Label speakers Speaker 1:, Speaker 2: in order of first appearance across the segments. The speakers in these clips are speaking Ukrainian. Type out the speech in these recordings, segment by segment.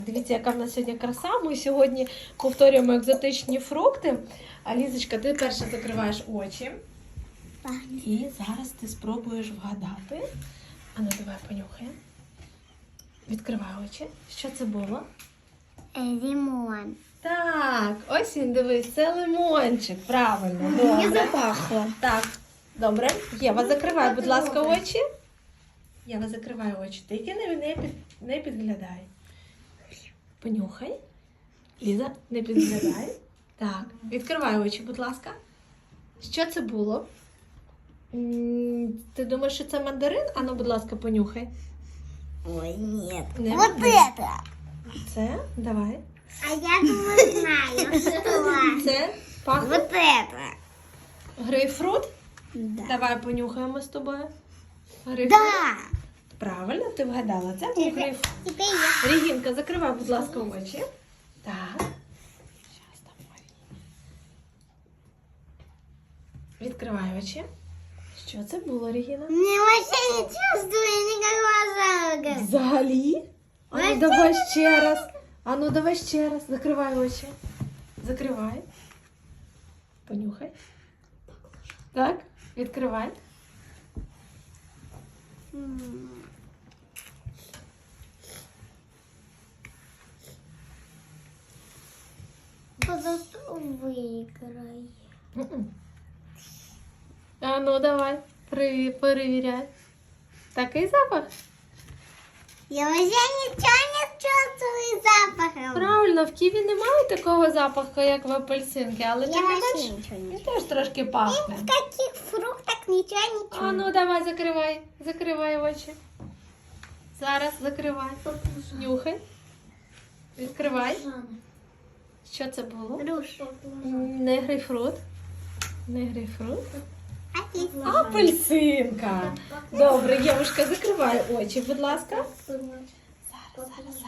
Speaker 1: Дивіться, яка в нас сьогодні краса. Ми сьогодні повторюємо екзотичні фрукти. А Лізочка, ти перше закриваєш очі.
Speaker 2: Так.
Speaker 1: І зараз ти спробуєш вгадати. А ну давай понюхаємо. Відкривай очі. Що це було?
Speaker 2: Лимон.
Speaker 1: Так, ось він, дивись, це лимончик. Правильно,
Speaker 2: Не
Speaker 1: добре.
Speaker 2: запахло.
Speaker 1: Так, добре. Єва, закривай, будь ласка, очі. Єва, закривай очі. Тільки не підглядай. Понюхай. Ліза, не підглядай. Так, відкривай очі, будь ласка. Що це було? Ти думаєш, що це мандарин? Ану, будь ласка, понюхай.
Speaker 2: Ой, нет.
Speaker 1: Не
Speaker 2: Вот
Speaker 1: мандарин.
Speaker 2: это.
Speaker 1: Це, давай.
Speaker 2: А я думаю, знаю, что.
Speaker 1: Це пахне
Speaker 2: Вот это.
Speaker 1: грейпфрут.
Speaker 2: Да.
Speaker 1: Давай понюхаємо з тобою. Грейпфрут.
Speaker 2: Да.
Speaker 1: Правильно, ти вгадала. Це був грейпфрут.
Speaker 2: Теперь я.
Speaker 1: Регінка, закривай, будь ласка, очі. Так. Щас там Марія. Відкривай очі. Що це було, Регіна?
Speaker 2: Не вообще не чувствую никакого запаха.
Speaker 1: Взагалі? Ану, давай ще раз. Ану, давай ще раз. Закривай очі. Закривай. Понюхай. Так, відкривай.
Speaker 2: Зато выиграй.
Speaker 1: А ну давай, перевіряй. Такий запах?
Speaker 2: Я вообще ничего не чувствую запахом.
Speaker 1: Правильно, в ківі немає такого запаху, як в апельсинки, але
Speaker 2: Я
Speaker 1: тим не
Speaker 2: вообще
Speaker 1: менш,
Speaker 2: ничего не
Speaker 1: він теж трошки пахне.
Speaker 2: В каких фруктах ничего не
Speaker 1: А ну давай, закривай очі. Зараз закривай. Нюхай. Відкривай. Що це було?
Speaker 2: Груша.
Speaker 1: Не грейпфрут. Не грейпфрут.
Speaker 2: Апельсин.
Speaker 1: Апельсинка. Добре, Євушка, закривай очі, будь ласка. Зараз.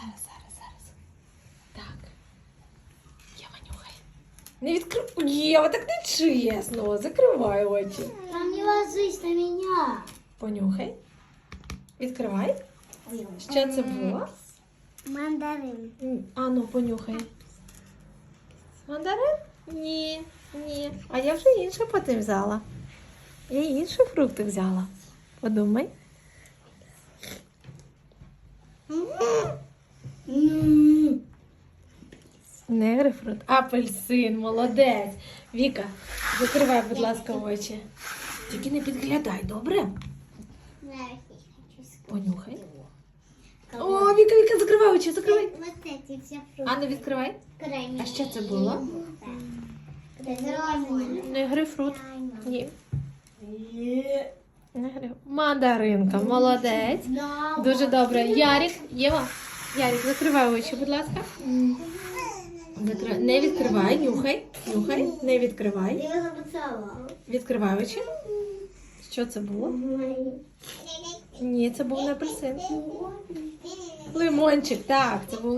Speaker 1: Так. Єва, нюхай. Не відкривай. Єва, так не чесно. Закривай очі.
Speaker 2: Там не ложись на меня.
Speaker 1: Понюхай. Відкривай. Що це було?
Speaker 2: Мандарин.
Speaker 1: А ну, понюхай. Мандарин? Ні. А я вже інше потім взяла. Я інші фрукти взяла. Подумай. Не грейпфрут. Апельсин, молодець. Віка, закривай, будь ласка, очі. Тільки не підглядай, добре? Понюхай. О, Віка, закривай очі, закривай.
Speaker 2: Вот эти все фрукты.
Speaker 1: А ну відкривай. А що це було? Не грейпфрут. Ні. Не грейпфрут. Мандаринка, молодець. Дуже добре. Ярик, Єва. Ярик, закривай очі, будь ласка. Не відкривай, нюхай. Не відкривай.
Speaker 2: Я его поцеловала.
Speaker 1: Відкривай очі. Що це було? Ні, це був не апельсин. Лимончик, так, це був